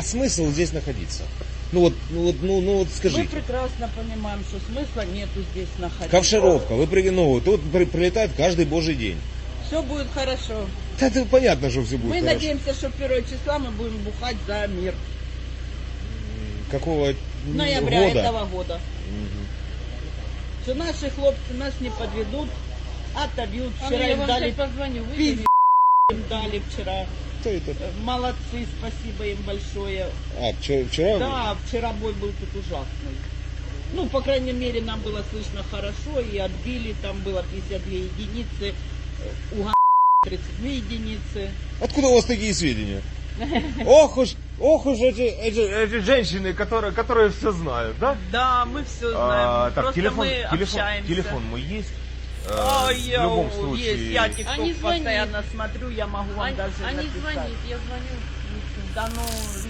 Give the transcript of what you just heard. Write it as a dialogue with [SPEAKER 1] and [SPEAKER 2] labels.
[SPEAKER 1] смысл здесь находиться? Ну вот
[SPEAKER 2] Мы
[SPEAKER 1] скажите.
[SPEAKER 2] прекрасно понимаем, что смысла нету здесь находиться.
[SPEAKER 1] Ковшеровка, тут прилетает каждый божий день.
[SPEAKER 2] Все будет хорошо.
[SPEAKER 1] Да, это понятно, что все будет
[SPEAKER 2] Мы
[SPEAKER 1] хорошо.
[SPEAKER 2] надеемся, что 1 числа мы будем бухать за мир.
[SPEAKER 1] Какого
[SPEAKER 2] Ноября
[SPEAKER 1] года?
[SPEAKER 2] этого года. Что наши хлопцы нас не подведут, отобьют. Вчера им дали
[SPEAKER 3] позвоню,
[SPEAKER 2] пиздец, им дали вчера.
[SPEAKER 1] Кто это?
[SPEAKER 2] Молодцы, спасибо им большое.
[SPEAKER 1] Вчера?
[SPEAKER 2] Да, вчера бой был тут ужасный. Ну, по крайней мере, нам было слышно хорошо, и отбили, там было 52 единицы, у 32 единицы.
[SPEAKER 1] Откуда у вас такие сведения? Ох уж эти женщины, которые все знают, да?
[SPEAKER 2] Да, мы все знаем,
[SPEAKER 1] Так,
[SPEAKER 2] просто мы общаемся.
[SPEAKER 1] телефон мой есть.
[SPEAKER 2] В любом
[SPEAKER 1] случае.
[SPEAKER 2] Есть, я TikTok
[SPEAKER 3] Они звонят.
[SPEAKER 2] постоянно смотрю, я могу вам даже
[SPEAKER 3] Они
[SPEAKER 2] написать.
[SPEAKER 3] звонят, я звоню.
[SPEAKER 2] Да ну,